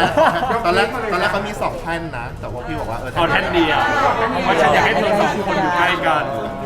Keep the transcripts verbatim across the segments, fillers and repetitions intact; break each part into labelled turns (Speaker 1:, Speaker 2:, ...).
Speaker 1: ตอนแรกตอนแรกเขามีสองแท่นนะแต่ว่าพี่บอกว่าเออ
Speaker 2: เอาแท่นเดียวเพราะฉันอยากให้เธอสองคนอยู่ใกล้กัน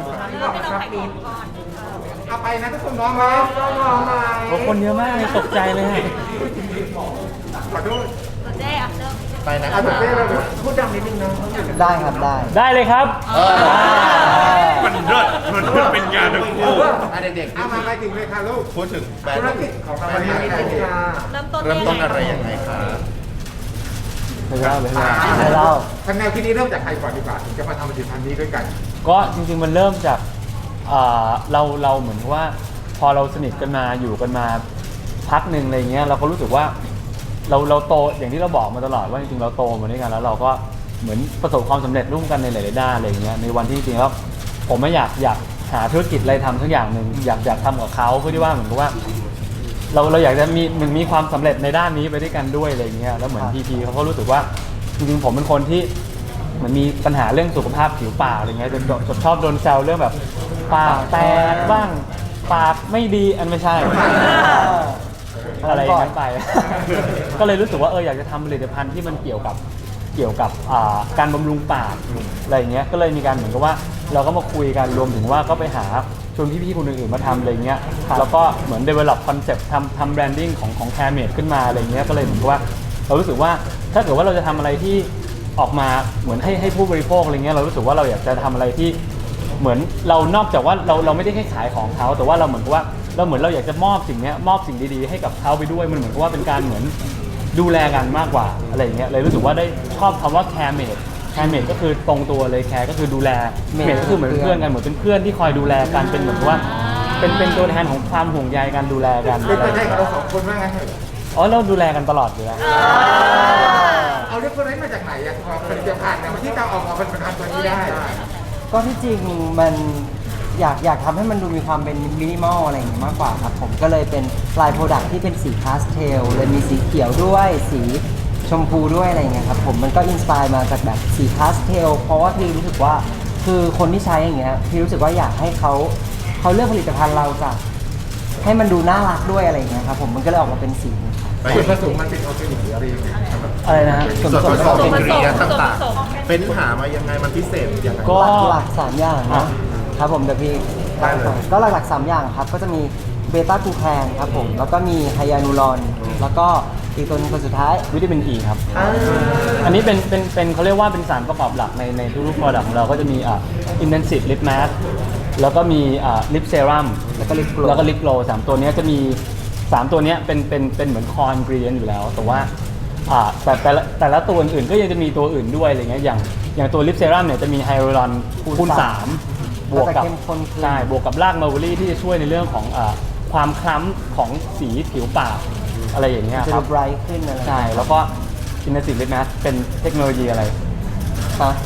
Speaker 3: เอาไปนะทุกคนน้องมาน้องมา
Speaker 4: โอ้คนเยอะมากเลยตกใจเลยฮะ
Speaker 3: ขอโทษ
Speaker 5: เจ๊อ่ะเริ่ม
Speaker 1: ไปนะค
Speaker 3: อ่ะ
Speaker 1: รับ
Speaker 3: เต้เราพูดดังนิดนึงนะ
Speaker 6: ได้ครับได้
Speaker 4: ได้เลยครับ
Speaker 2: มันเลิศมันเลิศเป็นงานทั้งคู่
Speaker 1: อ่ะเด็กๆ
Speaker 3: เอามาไปถึงเลยค่ะลูก
Speaker 1: พูดถึงแบรน
Speaker 3: ธุร
Speaker 1: ด์
Speaker 3: กิจของเราวันนี้นิดนึงค่ะ
Speaker 5: เริ่มต้น
Speaker 1: เริ่มต้นอะไรยังไงคะ
Speaker 4: ไม่เล่าเลย
Speaker 3: อ่า
Speaker 4: ไม่เล่า
Speaker 3: ทางแนวคิดนี้เริ่มจากใครก่อนดีกว่าถึงจะมาทำผลิตภัณฑ์นี้ด้วยกัน
Speaker 4: ก็จริงๆมันเริ่มจากเอ่อเราเราเหมือนกับว่าพอเราสนิทกันมาอยู่กันมาพักหนึ่งอะไรเงี้ยเราก็รู้สึกว่าเราเราโตอย่างที่เราบอกมาตลอดว่าจริงๆเราโตมาด้วยกันแล้วเราก็เหมือนประสบความสำเร็จร่วมกันในหลายๆด้านอะไรเงี้ยในวันที่จริงๆแล้วผมไม่อยากอยากหาธุรกิจอะไรทำสักอย่างหนึ่งอยากอยากทำกับเขาเพื่อที่ว่าเหมือนกับว่า เราเราอยากจะมีหนึ่งมีความสำเร็จในด้านนี้ไปด้วยกันด้วยอะไรเงี้ยแล้วเหมือนพีพีเขาก็รู้สึกว่าจริงๆผมเป็นคนที่เหมือนมีปัญหาเรื่องสุขภาพผิวปากอะไรเงี้ยจนจนชอบโดนแซวเรื่องแบบปากแตกบ้างปากไม่ดีอันไม่ใช่ อะไรอย่างนั้นไป ก็เลยรู้สึกว่าเอออยากจะทำผลิตภัณฑ์ที่มันเกี่ยวกับเกี่ยวกับอ่าการบำรุงปากอะไรอย่างเงี้ยก็เลยมีการเหมือนกับว่าเราก็มาคุยกันรวมถึงว่าก็ไปหาชวนพี่ๆคนอื่นๆมาทำอะไรเงี้ยแล้วก็เหมือน develop concept ทำทำ branding ของของ Caremed ขึ้นมาอะไรเงี้ยก็เลยเหมือนกับว่าเรารู้สึกว่าถ้าเกิดว่าเราจะทำอะไรที่ออกมาเหมือนให้ให้ผู้บริโภคอะไรเงี้ยเรารู้สึกว่าเราอยากจะทำอะไรที่เหมือนเรานอกจากว่าเราเราไม่ได้แค่ขายของเขาแต่ว่าเราเหมือนกับว่าเราเหมือนเราอยากจะมอบสิ่งนี้มอบสิ่งดีๆให้กับเขาไปด้วยมันเหมือนกับว่าเป็นการเหมือนดูแลกันมากกว่าอะไรอย่างเงี้ยเลยรู้สึกว่าได้ชอบคำว่า Caremed Caremed ก็คือตรงตัวเลย Care ก็คือดูแล Med ก็คือเหมือนเพื่อนกันเหมือนเป็นเพื่อนที่คอยดูแลกันเป็นเหมือนกับว่าเป็นเป็นตัวแทนของความห่วงใยกันดูแลกัน
Speaker 3: เป็นตัวแทนของเราสองคนว่างั้นเถอะ
Speaker 4: อ๋อเราดูแลกันตลอดอยู่แล้ว
Speaker 3: เอาเรื่องคนนี้มาจากไหนอะพอผลิตภัณฑ์เนี่ยที่จะออกมาเป็นผลิตภัณฑ์ตัวนี้ได้
Speaker 6: ก็ที่จริงมันอยากอยากทำให้มันดูมีความเป็นมินิมอลอะไรอย่างเงี้ยมากกว่าครับผมก็เลยเป็นลายโปรดักที่เป็นสีพาสเทลเลยมีสีเขียวด้วยสีชมพูด้วยอะไรอย่างเงี้ยครับผมมันก็อินสปายมาจากแบบสีพาสเทลเพราะว่าพี่รู้สึกว่าคือคนที่ใช้อย่างเงี้ยพี่รู้สึกว่าอยากให้เขาเขาเลือกผลิตภัณฑ์เราจากให้มันดูน่ารักด้วยอะไรอย่างเงี้ยครับผมมันก็เลยออกมาเป็นสีนี้ครับ
Speaker 3: ส่วนผสมมันเป็นออร์แกนิกหรืออะไรยังไงครับ
Speaker 4: อะไรนะฮะ
Speaker 1: ส่วนผสมอินกรีเดียนต่างๆเป็นหามายังไงมันพิเศษยังไง
Speaker 4: ก็
Speaker 6: หลักๆสามอย่างนะครับผมเดี๋ยวพี่
Speaker 1: ได้เลย
Speaker 6: ก็หลักๆสามอย่างครับก็จะมีเบต้ากูแคนครับผมแล้วก็มีไฮยานูรอนแล้วก็อีกตัวหนึงตัวสุดท้าย
Speaker 4: วิตามินอีครับ อันนี้เป็นเป็นเป็นเขาเรียกว่าเป็นสารประกอบหลักในในทุกๆ product ของเราก็จะมีอ่า intensive lip mask แล้วก็มีอ่า lip serum
Speaker 6: แล้วก็ลิปโกล
Speaker 4: แล้วก็ lip glow สามตัวเนี้ยจะมีสามตัวเนี้ยเป็นเป็นเป็นเหมือน core ingredient อยู่แล้ว แต่ว่าอ่าแต่แต่ละแต่ละตัวอื่นๆก็ยังจะมีตัวอื่นด้วยอะไรเงี้ยอย่างอย่างตัว lip serum เนี่ยจะมีไฮ a ลูรอนคูณสามบวกกับ
Speaker 6: เข้มข้นขึ้น
Speaker 4: ใช่บวกกับรากมาร์เวอรี่ที่จะช่วยในเรื่องของอ่าความคล้ำของสีผิวปากอะไรอย่างเงี้ย
Speaker 6: จะ
Speaker 4: ค
Speaker 6: ดู
Speaker 4: รับ
Speaker 6: ไบรท์ขึ้นอะไร
Speaker 4: ใช่ แล้วก็อินเทอร์ซิตลิปนะเป็นเทคโนโลยีอะไร
Speaker 6: ฮะ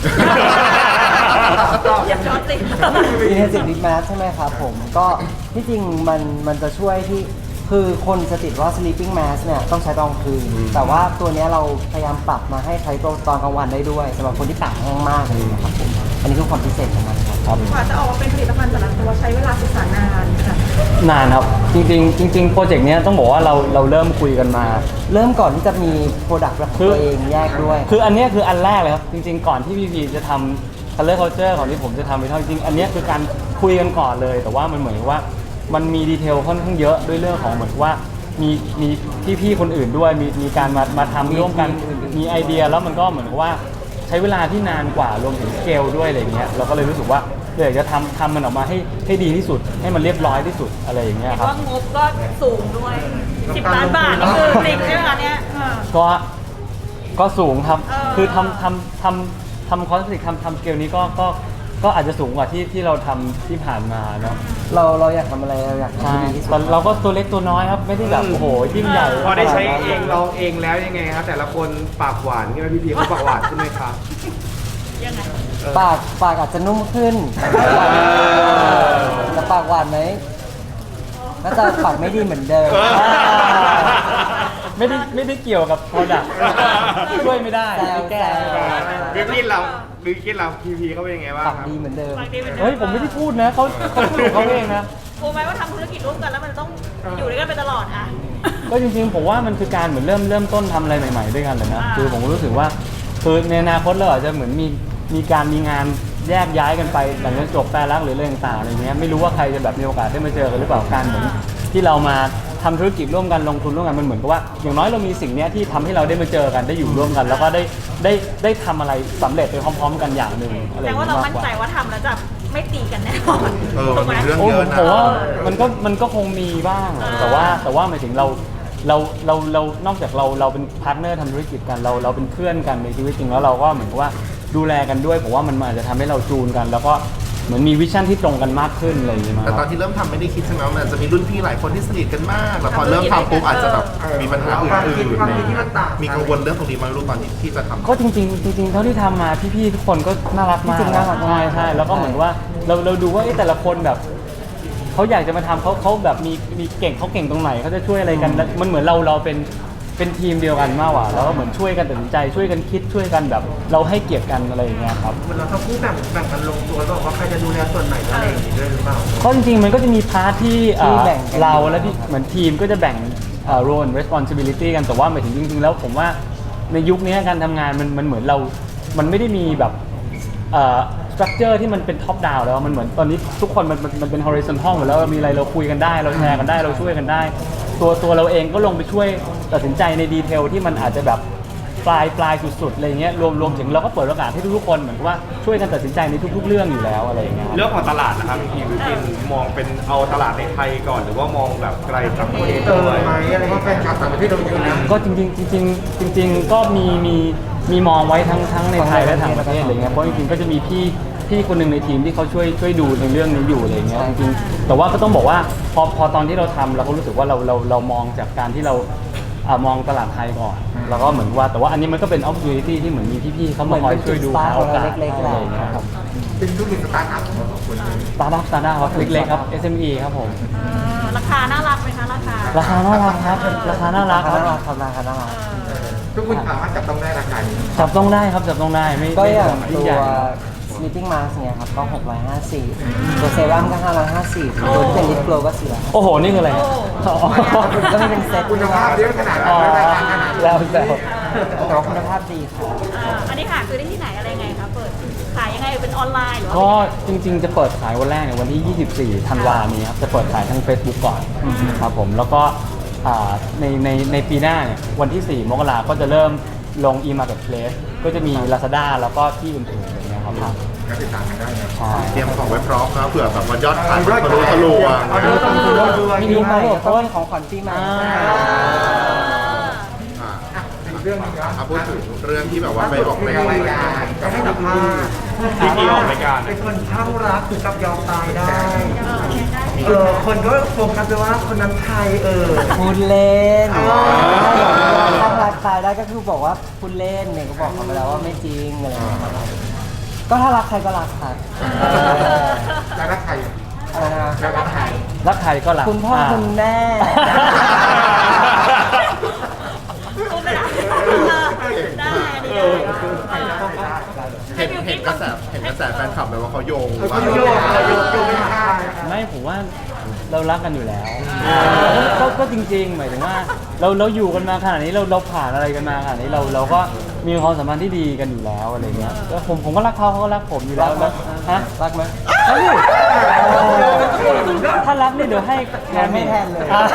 Speaker 5: อย่าช็อตสิ
Speaker 6: อินเทนซีฟลิปแมสใช่ไหมครับผมก็ที่จริงมันมันจะช่วยที่คือคนจะติดว่า sleeping mask เนี่ยต้องใช้ตอนกลางคืน แต่ว่าตัวเนี้ยเราพยายามปรับมาให้ใช้ตอนตอนกลางวันได้ด้วยสำหรับคนที่ปากแห้งมากเลยนะครับผมอันนี้คือความพิเศษของมันครับ
Speaker 4: ครับ
Speaker 5: กว่าจะออกมาเป็นผลิตภัณฑ์แต่ละตัวใช้เวลาศึกษานานค่ะ
Speaker 4: นานครับ จริงๆ จริงๆ โปรเจกต์เนี้ยต้องบอกว่าเราเราเริ่มคุยกันมา
Speaker 6: เริ่มก่อนที่จะมีโปรดักต์ของ
Speaker 4: คือ
Speaker 6: ตัวเองแยกด้วย
Speaker 4: คืออันเนี้ยคืออันแรกเลยครับ จริงๆ ก่อนที่พีพีจะทำ color culture ของที่ผมจะทำไปเท่าจริงๆ อันเนี้ยคือการคุยกันก่อนเลย แต่ว่ามันเหมือนกับว่ามันมีดีเทลค่อนข้างเยอะด้วยเรื่องของเหมือนว่ามีมีพี่ๆ คนอื่นด้วย มีมีการมามาทำร่วมกัน มีไอเดียแล้วมันก็เหมือนกับว่าใช้เวลาที่นานกว่ารวมถึงสเกลด้วยอะไรเงี้ยเราก็เลยรู้สึกว่าอยากจะทำทำมันออกมาให้ให้ดีที่สุด ให้มันเรียบร้อยที่สุดอะไรอย่างเงี้ย
Speaker 5: เห็น
Speaker 4: ครับ
Speaker 5: ว่างบก็สูงด้วยสิบล้านบาทนี่คือจริงใช่ไหมคะเนี่ยเออ
Speaker 4: ก็ก็สูงครับ
Speaker 5: เออ
Speaker 4: คือทำทำทำทำคอสติกทำทำสเกลนี้ก็ก็ก็อาจจะสูงกว่าที่ที่เราทำที่ผ่านมาเนาะ
Speaker 6: เราเราอยากทำอะไรเราอยากทำ
Speaker 4: ใช่
Speaker 6: ให้ดีที่สุด
Speaker 4: แต่เราก็ตัวเล็กตัวน้อยครับ ไม่ได้แบบโอ้โหยิ่งใหญ่
Speaker 7: พอได้ใช้เองลองเองแล้วยังไงครับแต่ละคนปากหวานใช่ไหมพี่พีเขาปากหวานขึ้นไหมครับ
Speaker 5: ยังไง
Speaker 6: ปากปากอาจจะนุ่มขึ้นแต่ปากหวานไหมน่าจะปากไม่ดีเหมือนเดิม
Speaker 4: ไม่ได้ไม่ได้เกี่ยวกับ product ช่วยไม่ได้
Speaker 6: แซว
Speaker 4: ไม่แก้
Speaker 6: แซว
Speaker 7: บิวกินเราบิวกินเราพีพีเขาเป็นยังไงบ้าง
Speaker 6: ปาก
Speaker 7: ครับ
Speaker 6: ดีเหมือนเดิม
Speaker 5: ฝากดีเหมือนดิ
Speaker 4: เฮ้ยผมไม่ได้พูดนะเขาเขาพูดของเขาเองนะ
Speaker 5: กลัวไหมว่าทำธุรกิจร่วมกันแล้วมันจะต้องอยู่ด้วยกันไปตลอดอ่ะ
Speaker 4: กก็จริงๆผมว่ามันคือการเหมือนเริ่มเริ่มต้นทำอะไรใหม่ๆด้วยกันเลยนะคือผมก็รู้สึกว่าคือในอนาคตเราอาจจะเหมือนมีมีการมีงานแยกย้ายกันไปหลังจากจบแปรรักหรืออะไรต่างๆอะไรเงี้ยไม่รู้ว่าใครจะแบบมีโอกาสได้มาเจอกันหรือเปล่าการเหมือนที่เรามาทำธุรกิจร่วมกันลงทุนร่วมกันมันเหมือนกับว่าอย่างน้อยเรามีสิ่งนี้ที่ทำให้เราได้มาเจอกันได้อยู่ร่วมกัน แล้วก็ได้ได้ได้ทำอะไรสำเร็จไปพร้อมๆกันอย่างหนึ่งอะไร
Speaker 5: แต่
Speaker 4: อย่าง
Speaker 5: ว่า
Speaker 4: เงี้ย
Speaker 5: เรา
Speaker 4: มาก
Speaker 5: มั่น
Speaker 4: กว่า
Speaker 5: ใจว่าทำแล้วจะไม่ตีกันแน่นอน
Speaker 1: เออมันมีเรื่อง
Speaker 4: โอ้
Speaker 1: เย
Speaker 4: ผ
Speaker 1: อะ
Speaker 4: ม
Speaker 1: นะ
Speaker 4: ผมว่ามันก็มันก็คงมีบ้างอะแต่ว่าแต่ว่าหมายถึงเราเราเราเรานอกจากเราเราเป็นพาร์ทเนอร์ทำธุรกิจกันเราเราเป็นเพื่อนกันในชีวิตจริงแล้วเราก็เหมือนกับว่าดูแลกันด้วยผมว่ามันอาจจะทำให้เราจูนกัน แล้วก็เหมือนมีวิชั่นที่ตรงกันมากขึ้นอะไรอย่างเงี้ยมา
Speaker 1: แต่ตอนที่เริ่มทำไม่ได้คิดใช่ไหมว่ามันจะมีรุ่นพี่หลายคนที่สนิทกันมากแล้วพอเริ่มทำปุ๊บอาจจะแบบมีปัญหาอื่นๆอะไรอย่างเงี้ยมีกังวลเรื่องตรงนี้ไหมรู้ตอนที่ที่จะทำ
Speaker 4: ก็จริงๆจริงๆเท่าที่ทำมาพี่ๆทุกคนก็น่ารักมาก
Speaker 6: จริงๆน่ารักมาก
Speaker 4: ใช่ใช่แล้วก็เหมือนว่าเราเราดูว่าเอ๊ะแต่ละคนแบบเขาอยากจะมาทำเขาเขาแบบมีมีเก่งเขาเก่งตรงไหนเขาจะช่วยอะไรกันแล้วมันเหมือนเราเราเป็นเป็นทีมเดียวกันมากกว่าแล้วก็เหมือนช่วยกันตัดสินใจช่วยกันคิดช่วยกันแบบ เราให้เกียรติกันอะไรอย่างเงี้ยครับ
Speaker 3: เวลาเขาพูดแบ่งแบ่งกันลงตัวบอกว่าใครจะดูแลส่วนไหนอะไรอย่างนี้ด้วยหรือเปล่า
Speaker 4: ก็จริงๆมันก็จะมีพาร์ทที่เอ่อ
Speaker 6: ที่แบ่งกัน
Speaker 4: เราและที่เหมือนทีมก็จะแบ่งเอ่อ role and responsibility กันแต่ว่าหมายถึงจริงๆแล้วผมว่าในยุคนี้การทำงานมันมันเหมือนเรา มันไม่ได้มีแบบเอ่อ structure ที่มันเป็น top down แล้วมันเหมือนตอนนี้ทุกคนมันมันมันเป็น horizontal หมดแล้วมีอะไรเราคุยกันได้เราแชร์กันได้เราช่วยกันได้ ตัวตัวเราเองก็ลงไปช่วยตัดสินใจในดีเทลที่มันอาจจะแบบปลายปลายสุดๆอะไรเงี้ยรวมรวมถึงเราก็เปิดโอกาสให้ทุกๆคนเหมือนกับว่าช่วยกันตัดสินใจในทุกๆเรื่องอยู่แล้วอะไรอย่างเงี้ย
Speaker 7: เรื่องของตลาดนะครับพี่วิกินมองเป็นเอาตลาดในไทยก่อนหรือว่ามองแบบไกลต่างประเทศ
Speaker 3: เออ
Speaker 7: ด้วย
Speaker 3: ไหมอะไรเพราะแฟนคลับต่างประเทศเราเยอะนะ
Speaker 4: ก็จริงๆจริงๆจริง ๆ ก็มีมีมีมองไว้ทั้งทั้งในไทยและต่างประเทศอะไรเงี้ยเพราะจริงๆก็จะมีพี่พี่คนหนึ่งในทีมที่เขาช่วยช่วยดูในเรื่องนี้อยู่อะไรเงี้ยจริงๆแต่ว่าก็ต้องบอกว่าพอพอตอนที่เราทำเราก็รู้สึกว่าเราเราเรามองจากการที่เราอ่ามองตลาดไทยก่อนแล้วก็เหมือนว่าแต่ว่าอันนี้มันก็เป็น opportunity ที่เหมือนมีพี่ๆเขามาคอยช่วยดูหาโอกาส
Speaker 6: เล็กๆ
Speaker 4: อะไรอย่างเงี้ยครับ
Speaker 3: เป็นธุรกิจสตาร์ทอัพของเราสองคนเลย
Speaker 4: สตาร์ทอัพสตาร์ทอัพครับเล็กๆครับ เอส เอ็ม อี ครับผม
Speaker 5: เออราคาน่ารักไหมคะราคา
Speaker 4: ราคาน่ารักครับราคาน่ารักค
Speaker 6: น่า
Speaker 4: รั
Speaker 6: รับ กครับราคาน่ารัก
Speaker 3: ทุกคนสามารถจับต้องได้ราคานี้
Speaker 4: จับต้องได้ครับจับต้องได้ไม่
Speaker 6: ก็
Speaker 4: ไม่
Speaker 6: อย่าง
Speaker 4: แบบ
Speaker 6: ตั
Speaker 4: ยิ่ง
Speaker 6: ว
Speaker 4: ใหญ่
Speaker 6: sleeping mask เนี่ยครับก็หกร้อยห้าสิบตัวเซรั่มก็ห้าร้อยห้าสิบตัวที่เป็นลิปโกลก็สี่ร้อยห้าสิบ
Speaker 4: โอ้โห นี่คืออะไร
Speaker 5: โอ้
Speaker 4: อ๋อ
Speaker 6: ก็ไม่เป็นเซ็ต
Speaker 3: คุณภาพเยอะขนาดนั้
Speaker 4: อ๋
Speaker 3: น
Speaker 4: อ
Speaker 3: และราคาขนาด
Speaker 4: แล้
Speaker 3: นั้น
Speaker 4: วแล้ว
Speaker 6: แต่ว่าคุณภาพดีครับ
Speaker 5: อ่าอันนี้หาซื้อได้ที่ไหนอะไรไงคะเปิดขายยังไงเป็นออนไลน์หรือว่า
Speaker 4: ก็จริงๆ จะเปิดขายวันแรกเนี่ยวันที่ ยี่สิบสี่ ธันวาคมนี้ครับ จะเปิดขายทาง Facebook ก่อนครับผม แล้วก็อ่าในในในปีหน้าเนี่ยวันที่ สี่ มกราคมก็จะเริ่มลง e-marketplace ก็จะมี Lazada แล้วก็ที่อื่นๆอย่างเงี้ยครับ
Speaker 3: ก็ติดตามกันได้นะ
Speaker 4: ใช่
Speaker 1: เตรียมของไว้พร้อมนะเผื่อแบบว่ายอดขายมันทะลุทะลวง
Speaker 3: เอาเรื่องต้องดูด้วย
Speaker 6: มีปีใหม่ก็ต้องมีของขวัญปีใหม่
Speaker 4: อ่า
Speaker 1: อ่ะ
Speaker 3: อีกเรื่องหนึงครับ
Speaker 1: อ่ะพูดถึงเรื่องที่แบบว่าไปออก
Speaker 3: ไป
Speaker 1: ราย
Speaker 3: ออกราย
Speaker 1: กา
Speaker 3: การ รก็ให้สัมภาษณ์
Speaker 7: พี่กีออกรายการ
Speaker 3: เป็นคนข้างรักถึงกับยอมตายได้ เออคนก็โฟกัสไปว่าคนนั้นใครเออ
Speaker 6: พูดเล่น
Speaker 3: อ๋อ
Speaker 6: ถ้ารักตายได้ก็คือบอกว่าพูดเล่นเนี่ยก็บอกเขาไปแล้วว่าไม่จริงอะไรอย่างเงี้ยครับก็ถ้ารักใครก็รักครับ
Speaker 3: แล้วรักใครอ่ะ
Speaker 6: อะไรนะ
Speaker 3: แล้วรักใคร
Speaker 4: รักใครก็รัก
Speaker 6: คุณพ่อคุณแม่
Speaker 5: พูดไม่ได้ได้อันนี้ได้
Speaker 1: เห็นเห็นกระแสเห็นกระแสแฟนคลับเลยว่าเขาโยง
Speaker 3: เขา
Speaker 1: ว่า
Speaker 3: โยกเขาโยกโยกไม่ได้
Speaker 4: ไม่ผมว่าเรารักกันอยู่แล้วก็ก็จริงๆ หมายถึงว่าเราเราอยู่กันมาขนาดนี้เราเราผ่านอะไรกันมาขนาดนี้เราเราก็มีความสัมพันธ์ที่ดีกันอยู่แล้วอะไรเงี้ยแล้วผมผมก็รักเขาเขาก็รักผมอยู่แล้วแล้วฮะ
Speaker 6: รักไหม
Speaker 4: เฮ้ยถ้ารักนี่เดี๋ยวให้แคร์เม
Speaker 6: ไม่
Speaker 4: ด
Speaker 6: แทนเลย
Speaker 4: อ่ะ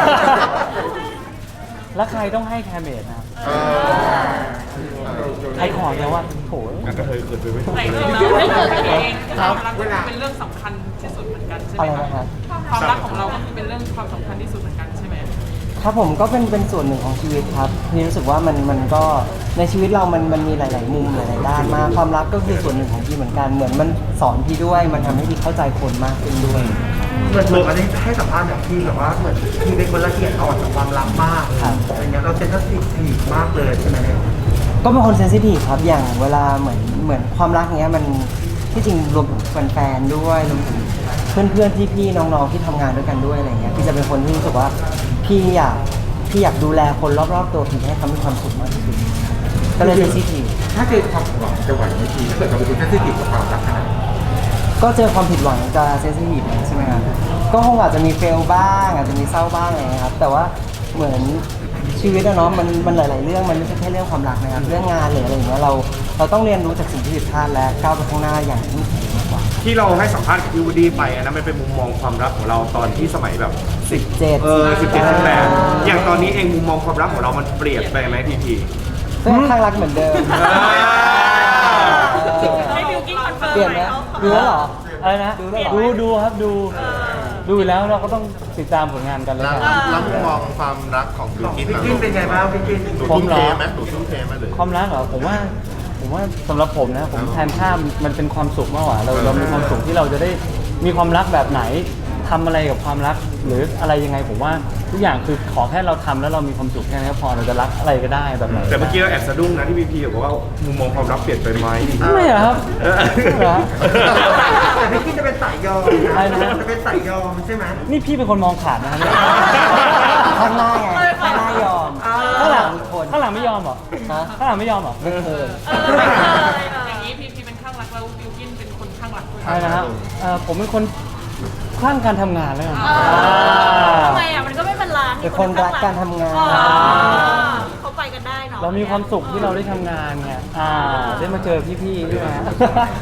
Speaker 4: แล้วใครต้องให้แคร์เมดนะครับ
Speaker 1: เออ
Speaker 4: ใครขอแล้วว่าโถ
Speaker 7: งั้นก็เคยเกิดไปไม่
Speaker 8: แต่เราไม่เกิดกันเอง
Speaker 3: ครั
Speaker 8: ค
Speaker 3: บ
Speaker 8: วามรักก็เป็นเรื่องสำคัญที่สุดเหมือนกันใช่ไห
Speaker 6: อะ
Speaker 8: ม
Speaker 6: ไร
Speaker 8: คะ
Speaker 6: นะครับ
Speaker 8: ความรักของเราก็คือเป็นเรื่องความสำคัญที่สุดเหมือนกันใช่ไหม
Speaker 6: ครับผมก็เป็นเป็นส่วนหนึ่งของชีวิตครับพี่รู้สึกว่ามันมันก็ในชีวิตเรามันมันมีหลาย ๆ มุมหลาย ๆ ด้านมากความรักก็คือส่วนหนึ่งของพี่เหมือนกันเหมือนมันสอนพี่ด้วยมันทำให้พี่เข้าใจคนมากขึ้นด้วย
Speaker 3: เหมือนเหมือนวันนี้ให้สัมภาษณ์แบบที่แบบว่าเหมือนที่เป็นคนละเอียดอ่อนกับความรักมาก
Speaker 6: ครับ
Speaker 3: อะไรเงี้ยเราเซนซิทีฟมากเลยใช่ไหมเนี่ย
Speaker 6: ก็เป็นคนเซนซิทีฟครับอย่างเวลาเหมือนเหมือนความรักเนี้ยมันที่จริงรวมถึงแฟนๆด้วยรวมถึงเพื่อนๆพี่ๆน้องๆที่ทำงานด้วยกันด้วยอะไรเงี้ยพี่จะเป็นคนที่รู้สึกว่าพี่อยากพี่อยากดูแลคนรอบๆตัวพี่ให้เขามีความสุขมากที่สุดก็เลยเซนซิทีฟ
Speaker 3: ถ้าเจอความหวังจะไหวไหมทีถ้าเกิดเราเป็นคนเซนซิทีฟกับความรักขนาดนี้
Speaker 6: ก็เจอความผิดหวังจะเซนซิทีฟใช่ไหมครับก็คงอาจจะมีเฟลบ้างอาจจะมีเศร้าบ้างอะไรเงี้ยครับแต่ว่าเหมือนชีวิตอะเนาะมันมันหลาย ๆ เรื่องมันไม่ใช่แค่เรื่องความรักนะครับเรื่องงานหรืออะไรอย่างเงี้ยเราเราต้องเรียนรู้จากสิ่งที่ผิดพลาดและก้าวไปข้างหน้าอย่างเข้มแข็งมากกว่า
Speaker 7: ที่เราให้สัมภาษณ์กับพี่วูดดี้ไปอันนั้นมันเป็นมุมมองความรักของเราตอนที่สมัยแบบสิบ
Speaker 6: เจ็ด
Speaker 7: เออสิบเจ็ดสิบแปดอย่างตอนนี้เองมุมมองความรักของเรามันเปลี่ยนไปไหมพีพี
Speaker 6: ก็ข้างรักเหมือนเดิม
Speaker 5: ให้บิวกิ้งคอนเฟิร์ม
Speaker 6: เปลี่ยนไหมดูแล้วเหรอ
Speaker 4: อะไรนะ
Speaker 6: ดูแล้วเหรอ
Speaker 4: ดูดูครับดูดูอยู่แล้วเราก็ต้องติดตามผลงานกันเลย
Speaker 1: แล้ว
Speaker 4: กัน
Speaker 1: แล้วมุมมองความรักของบิ
Speaker 3: ข
Speaker 1: ว
Speaker 3: อง
Speaker 1: กิ้น
Speaker 3: พี่
Speaker 1: นะ
Speaker 3: กินเป็นไงบ้างพี่กิน
Speaker 1: หนูทุ่มเทไหมหนูทุ่มเทไหมหรือ
Speaker 4: ความรักเหรอผมว่าผมว่าสำหรับผมนะผมแทนค่ามันเป็นความสุขมากกว่าเราเรามีความสุขที่เราจะได้มีความรักแบบไหนทำอะไรกับความรักหรืออะไรยังไงผมว่าทุกอย่างคือขอแค่เราทำแล้วเรามีความสุขแค่นั้นก็พอเราจะรักอะไรก็ได้แบบไหน
Speaker 7: แต่เมื่อกี้เราแอบสะดุ้งนะที่พีพีบอกว่ามุมมองความรักเปลี่ยนไปไหม
Speaker 4: ไม่เหรอครับ
Speaker 7: เออ
Speaker 4: ไม่เหรอ
Speaker 3: แต่พี่กินจะเป็นสายยอม
Speaker 4: ใช่นะ
Speaker 3: จะเป็นสายยอมใช่ไหม
Speaker 4: นี่พี่เป็นคนมองขาดนะครับเนี่ย
Speaker 6: ข้างหน้าไงข้างหน้ายอม
Speaker 4: ข้างหลัง
Speaker 6: มีคน
Speaker 4: ข้างหลังไม่ยอมเหรอ
Speaker 6: ฮะ
Speaker 4: ข้างหลังไม่ยอมเหรอ
Speaker 6: ไม่เคย
Speaker 8: อย่างนี้พีพีเป็นข้างรักแล้วบิวกินเป็นคนข้างรักด้วย
Speaker 4: ใช่นะครับเอ่อผมเป็นคนคลั่งการทำงานแล้วกัน
Speaker 5: ทำไมอ่ะมันก็ไม่เป็นร้าน
Speaker 6: เป็นคนรักการทำงาน
Speaker 5: เขาไปกันได้เนาะ
Speaker 4: เรามีความสุขที่เราได้ทำงานไงอ่าได้มาเจอพี่ๆด้วยนะ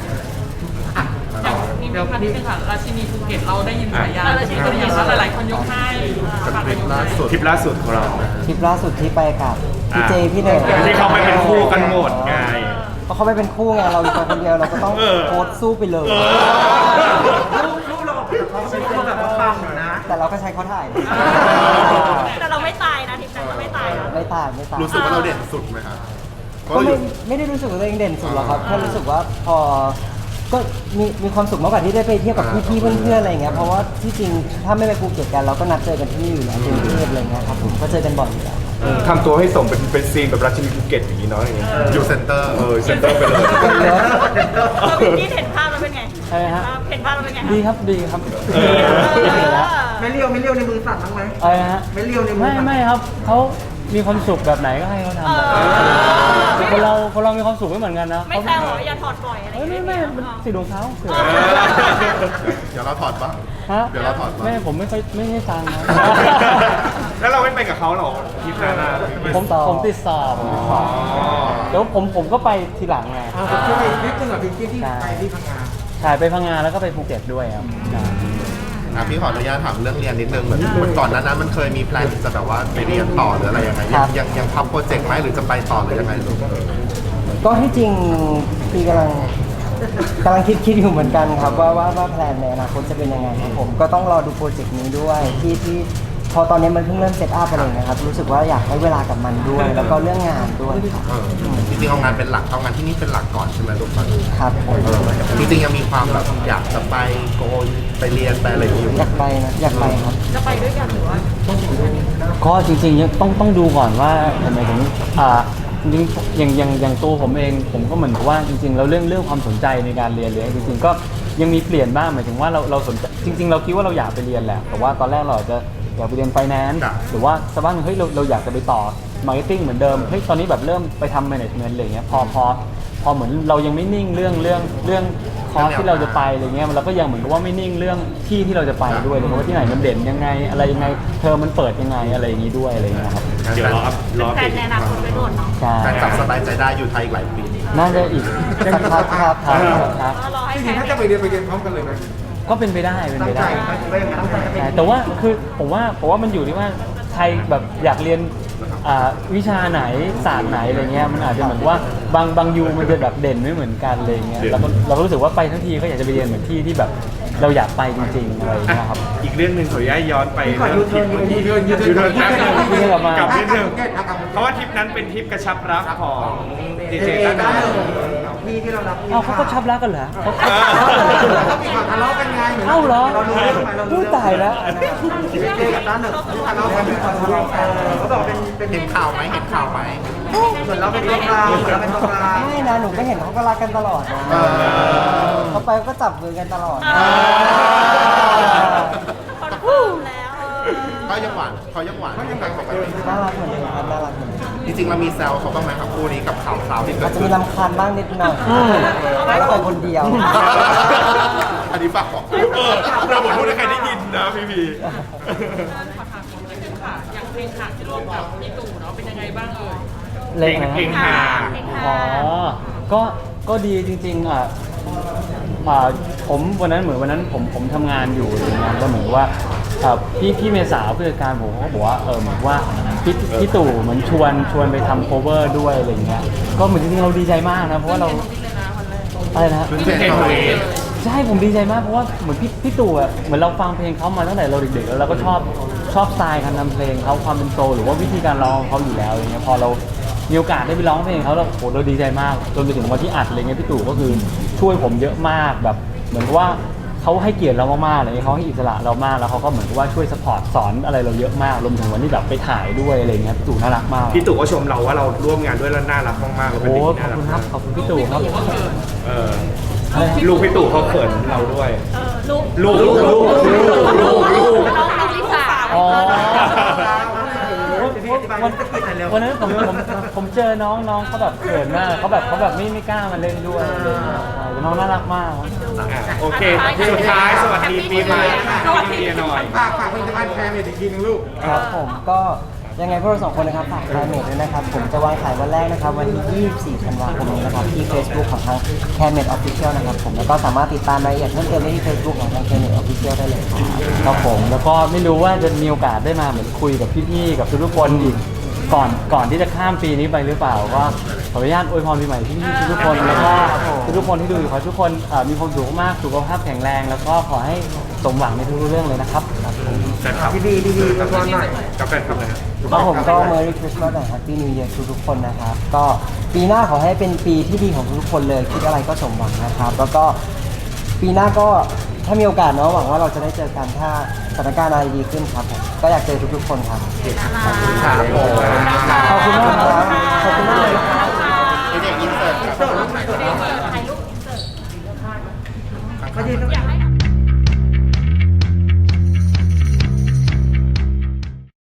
Speaker 8: อย่างพีพีพันธุ์เป็นค่ะราชินีภูเก็ตเราได้ยินฉายาราชินีภูเก็ตแล้วหลายๆคนยกให้ฝากไปยกให้
Speaker 7: ทริปล่าสุดของเรา
Speaker 6: ทริปล่าสุดที่ไปกับพี่เจพี่เนย
Speaker 7: ที่เขาไปเป็นคู่กันหมดไง
Speaker 6: เพราะเขาไปเป็นคู่ไงเราอยู่ตัวคนเดียวเราก็ต้อง
Speaker 7: เออ
Speaker 6: โพสต์สู้ไปเลย
Speaker 3: ลูกเราออกจากเขาเป็นคนแบบว่าปังอยู่นะ
Speaker 6: แต่เราก็ใช้เขาถ่าย
Speaker 5: แต่เราไม่ตายนะทีมนั้นเราไม่ตายนะ
Speaker 6: ไม่ต่างไม่ต่าง
Speaker 1: รู้สึกว่าเราเด่นสุดไหมครับเพราะ
Speaker 6: ก็
Speaker 1: เราอ
Speaker 6: ไม่
Speaker 1: ยู่
Speaker 6: ไม่ได้รู้สึกว่าตัวเองเด่นสุดหรอกครับแค่รู้สึกว่าพอก็มีมีความสุขมากกว่าที่ได้ไปเที่ยวกับพี่ๆเพื่อนๆอะไรอย่างเงี้ยเพราะว่าที่จริงถ้าไม่ไปภูเก็ตกันเราก็นัดเจอกันที่นี่อยู่แล้วที่กรุงเทพอะไรเงี้ยครับผมก็เจอกันบ่อยอยู่แล้ว
Speaker 7: ทำตัวให้สมเป็นเป็นซีนแบบราชินีภูเก็ตอย่างนี้เนาะอย่างเงี้ย
Speaker 1: อยู่เซ็นเตอร์
Speaker 7: เออเซ็นเตอร์ไปเลย
Speaker 5: เราบิวกิ้นเห็นภาพแล้วเป็นไง
Speaker 4: ใช่ไหมฮะ
Speaker 5: เห็นภาพแล้วเป็นไง
Speaker 4: ดีครับดีครับ
Speaker 7: เออ
Speaker 4: ดีแล้ว
Speaker 3: ไม่เลี้ยวไม่เลี้ยวในมือสั่นบ้างไหม
Speaker 4: อะไรนะฮะ
Speaker 3: ไม่เลี้ยวในมือ
Speaker 4: ไม่
Speaker 3: สั่น
Speaker 4: ไม่ครับเขามีความสุขแบบไหนก็ให้เขาทำแบบนั้นคนเราคนเรามีความสุขไม่เหมือนกันนะ
Speaker 5: ไม่แซวเหรออย่าถอดปล่อยอะไรอ
Speaker 4: เอ้ย
Speaker 5: ย่าง
Speaker 4: ไม่
Speaker 5: เงี้ย
Speaker 4: ไม่มันสิทธิ์ของเขาสิ
Speaker 1: เดี๋ยวเราถอดบ้าง
Speaker 4: ฮะ
Speaker 1: เดี๋ยวเราถอดบ้าง
Speaker 4: ไม่ผมไม่ค่อยไม่ให้ตังค์นะ
Speaker 7: แล้วเราไม่ไปกับเขาหรอทริปนั้นนะ
Speaker 4: ผมผมติดสอบผมติดสอบเดี๋ยวผมผมก็ไปทีหลังไง
Speaker 3: ที่ไปนิดนึงกับพี่กินที่ไปที่พังงา
Speaker 4: ถ่ายไปพังงานแล้วก็ไปภูเก็ตด้วยครับใช่
Speaker 1: อ่ะพี่ขออนุญาตถามเรื่องเรียนนิดนึงเหมือนเหมือนก่อนหนั้นนั้นมันเคยมีแพลนจะแบบว่าไปเรียนต่อหรืออะไรยังไงยังยังยังทำโปรเจกต์ไหมหรือจะไปต่อหรือยังไงลูก
Speaker 6: ก็ที่จริงพี่กำลังกำลังคิดคิดอยู่เหมือนกันครับว่าว่าว่าแพลนในอนาคตจะเป็นยังไงครับผมก็ต้องรอดูโปรเจกต์นี้ด้วยที่ที่พอตอนนี้มันเพิ่งเริ่มเซตอัพอะไรอย่างเงี้ยครับรู้สึกว่าอยากให้เวลากับมันด้วย แล้วก็เรื่องงานด้วยครับ
Speaker 1: เออจริงๆเอางานเป็นหลักเอางานที่นี่เป็นหลักก่อนใช่ไหมลูกตอนนี้
Speaker 6: ครับผม
Speaker 1: เออจริงๆยังมีความแบบอยากจะไปโกยไปเรียนไปอะไรอยู่
Speaker 6: อยากไปนะอยากไปครับ
Speaker 5: จะไปด้วยกันหรือว่า
Speaker 4: ก็จริงๆยังต้องต้องดูก่อนว่าทำไมถึงอ่าจริงๆอย่างอย่างอย่างตัวผมเองผมก็เหมือนกับว่าจริงๆแล้วเรื่องเรื่องความสนใจในการเรียนเลยจริงๆก็ยังมีเปลี่ยนบ้างหมายถึงว่าเราเราสนใจจริง ๆ เราคิดว่าเราอยากไปเรียนแหละแต่ว่าตอนแรกเราอาจจะอยากไปเรียนไฟแนนซ์หรือว่าสักวันเฮ้ยเราเราอยากจะไปต่อมาร์เก็ตติ้งเหมือนเดิมเฮ้ยตอนนี้แบบเริ่มไปทำแมネจเมนต์อะไรเงี้ยพอพอพอเหมือนเรายังไม่นิ่งเรื่องเรื่องเรื่องคอร์สที่เราจะไปอะไรเงี้ยเราก็ยังเหมือนกับว่าไม่นิ่งเรื่องที่ที่เราจะไปด้วยเลยว่าที่ไหนมันเด่นยังไงอะไรยังไงเทอมมันเปิดยังไงอะไรอย่างนี้ด้วยอะไรเงี้ยครับ
Speaker 7: เดี๋ยวรออัพรอ
Speaker 5: แฟ
Speaker 7: อัป
Speaker 5: น
Speaker 7: เดต
Speaker 5: ในอนาคตไปโดนเนาะ
Speaker 4: ใช่
Speaker 1: แฟนกลับสบายใจได้อยู่ไทยอีกหลายปี
Speaker 4: น่าจะอีกสักพักครับครับครับ
Speaker 5: ก็รอให้
Speaker 3: จ
Speaker 5: แฟ
Speaker 3: ริง
Speaker 5: น
Speaker 3: ๆถ้าจะไปเรียนไปเรียนพร้อมกันเลยไหม
Speaker 4: ก็เป็นไปได้เป็น
Speaker 3: ตั้
Speaker 4: ไป
Speaker 3: งใจ
Speaker 4: ได้
Speaker 3: ไหมว่าอย่างนั้นตั้งใจจะไป
Speaker 4: ใช่แต่ว่าคือผมว่าผมว่ามันอยู่ที่ว่าใครแบบอยากเรียนอ่าวิชาไหนศาสตร์ไหนอะไรเงี้ยมันอาจจะเหมือนว่าบางบางยูมันจะแบบเด่นไม่เหมือนกันอะไรเงี้ยเราก็เราก็รู้สึกว่าไปทั้งทีก็อยากจะไปเรียนเหมือนที่ที่แบบเราอยากไปจริงๆอะไรเงี้ยครับ
Speaker 7: อีกเรื่องหนึ่งขออนุญาตย้อนไป
Speaker 3: ขอยูเทิร์นยูเทิร์นยู
Speaker 7: ยู
Speaker 3: เทิ
Speaker 7: เทิ
Speaker 3: ร์
Speaker 7: ร์
Speaker 3: น
Speaker 7: นแป๊บนึง
Speaker 4: ยูเทิร์นกลับมา
Speaker 7: กลับนิดนึงเพราะว่าทริปนั้นเป็นทริปกระชับรักของดี
Speaker 3: เจ
Speaker 7: เจ
Speaker 3: เจ
Speaker 7: ตั้
Speaker 3: ตั้
Speaker 7: ง
Speaker 3: ง
Speaker 7: แต่
Speaker 3: พี่ที่เรารับ
Speaker 4: เอ้าเขาก็ชับรักกันเหรอเขา
Speaker 3: เขามีความทะเลาะกันไง
Speaker 4: เอ้าเหรอ
Speaker 3: เรารู้เรื่องไหมเรารู้
Speaker 4: พูด
Speaker 3: เรื่อง
Speaker 4: ตายแล้ว
Speaker 3: เจเจกับตั้นเนี่ยทะเลาะกันมีความทะเลาะกันเขาบอกเป็นเป็น
Speaker 1: เห็นข่าวไหมเห็นข่าวไหม
Speaker 3: เหมือนเราเป็นตัวกลางเหมือนเราเป็นตัวกลาง
Speaker 6: ไม่นะหนูก็เห็นเขาก็รักกันตลอดนะ
Speaker 1: เออ
Speaker 6: เขาไปก็จับมือกันตลอด
Speaker 5: คอนเฟิร์มแล้วเออ
Speaker 1: ก็ยังหวานเขายังหวานเขายังแบบปกติ
Speaker 6: น่ารักเหมือนเดิมครับน่ารักเหมือนเดิม
Speaker 1: จริงๆเรามีแซวเขาบ้างไหมครับคู่นี้กับข่าวคราวที่เกิ
Speaker 6: อา
Speaker 1: ด
Speaker 6: จจะ
Speaker 1: ขึ้
Speaker 6: มี
Speaker 1: น
Speaker 6: รำคาญบ้างนิดหน่อยแล้วไปคนเดียว
Speaker 1: อันนี้ฝากบอก
Speaker 7: เออเราบอกพูดให้ใครได้ยินนะพี่พี
Speaker 8: ขอถามผมเลยคือค่ะ อย่างเพลงค่ะที่ร่วมกับพี่ตู่เนาะ
Speaker 4: เล็กนะ
Speaker 2: เพลงฮา
Speaker 4: อ๋อ ก็ก็ดีจริงๆอ่ะอ่าผมวันนั้นเหมือนวันนั้นผมผมทำงานอยู่อะไรเงี้ยแล้วเหมือนว่าอ่าพี่พี่เมษาผู้จัดการผมเขาก็บอกว่าเออเหมือนว่าพี่พี่ตู่เหมือนชวนชวนไปทำโคเวอร์ด้วยอะไรเงี้ยก็เหมือนจริงๆเราดีใจมากนะเพราะว่าเราอะไรนะ
Speaker 1: ขึ้นเพลงตัวเอง
Speaker 4: ใช่ผมดีใจมากเพราะว่าเหมือนพี่พี่ตู่อ่ะเหมือนเราฟังเพลงเขามาตั้งแต่เราเด็กๆแล้วเราก็ชอบชอบสไตล์การทำเพลงเขาความเป็นโซลหรือว่าวิธีการร้องของเขาอยู่แล้วอย่างเงี้ยพอเรามีโอกาสได้ไปร้องเพลงเขาเราโหเราดีใจมากจนไปถึงวันที่อัดอะไรเงี้ยพี่ตู่ก็คือช่วยผมเยอะมากแบบเหมือนกับว่าเขาให้เกียรติเรามากๆอะไรเงี้ยเขาให้อิสระเรามากแล้วเขาก็เหมือนกับว่าช่วยสปอร์ตสอนอะไรเราเยอะมากรวมถึงวันที่แบบไปถ่ายด้วยอะไรเงี้ยพี่ตู่น่ารักมาก
Speaker 7: พี่ตู่ก็ชมเราว่าเราร่วมงานด้วยแล้วน่ารักมากๆเราเป็น
Speaker 4: โอ้
Speaker 7: เด็กที่
Speaker 4: ขอบ
Speaker 7: น่ารั
Speaker 4: คุณครับข
Speaker 7: กมาก
Speaker 4: อบคุณพี่ตู่ครับ
Speaker 7: เออ
Speaker 4: อะไรนะ
Speaker 7: ลูกพี่ตู่เขาเขินเราด้วย
Speaker 5: เออลูก
Speaker 7: ลูกลูกลูกลูกลูกลูก
Speaker 5: น้องน้องลิซ่า
Speaker 4: อ๋อ
Speaker 3: วันตะกี้ไหนแล้ว
Speaker 4: วันนั้นผมผมผมเจอน้องน้องเขาแบบเขินมากเขาแบบเขาแบบไม่ไม่กล้ามาเล่นด้วยอะไรอย่างเงี้ยใช่แต่น้องน่ารักมาก
Speaker 7: อ่ะโอเค สุดท้ายสวัสดีปีใหม่พี่เมียหน่อย
Speaker 1: ฝากฝากผลิตภัณฑ์แคร์เมดอีกทีนึงลูก
Speaker 6: ครับผมก็ยังไงพวกเราสองคนนะครับฝากไคลเมทด้วยนะครับ ผมจะวางขายวันแรกนะครับ วันที่ ยี่สิบสี่ ธันวาคมนี้นะครับ ที่ Facebook ของทาง c a r e m e d Official นะครับผมแล้วก็สามารถติดตามรายละเอียดเพิ่มเติมได้ที่ Facebook ของทาง c a r e m e d Official ได้เลยครับ
Speaker 4: ครับผมแล้วก็ไม่รู้ว่าจะมีโอกาสได้มาเหมือนคุยกับพี่ๆกับทุกๆคนอีกก่อนก่อนที่จะข้ามปีนี้ไปหรือเปล่าก็ขออนุญาตอวยพรปีใหม่พี่ๆทุกๆคนแล้วก็ทุกๆคนที่ดูอยู่ขอให้ทุกคนเอ่อมีความสุขมากสุขภาพแข็งแรง แล้วก็ขอให้สมหวังในทุกๆเรื่องเลยนะครับครับผม
Speaker 7: แฟนคลับ
Speaker 3: ดีดีดีดีมาก่อนหน่อย
Speaker 7: กับแฟนคลับนะฮะ
Speaker 6: ครับผมก็ Merry Christmas และ Happy New Year ทุกๆคนนะครับ ก็ปีหน้าขอให้เป็นปีที่ดีของทุกๆคนเลย คิดอะไรก็สมหวังนะครับ แล้วก็ปีหน้าก็ถ้ามีโอกาสเนาะหวังว่าเราจะได้เจอกันถ้าสถานการณ์อะไรดีขึ้นครับผมก็อยากเจอทุกๆคนครับ
Speaker 1: ครับผม
Speaker 6: ขอบคุณมากครับขอบคุณมากเลยครับ
Speaker 1: เด็กอินเสิร์ตครับ
Speaker 5: ถ่ายรูปอินเสิร์ต
Speaker 3: ก็ดี
Speaker 5: อยากให้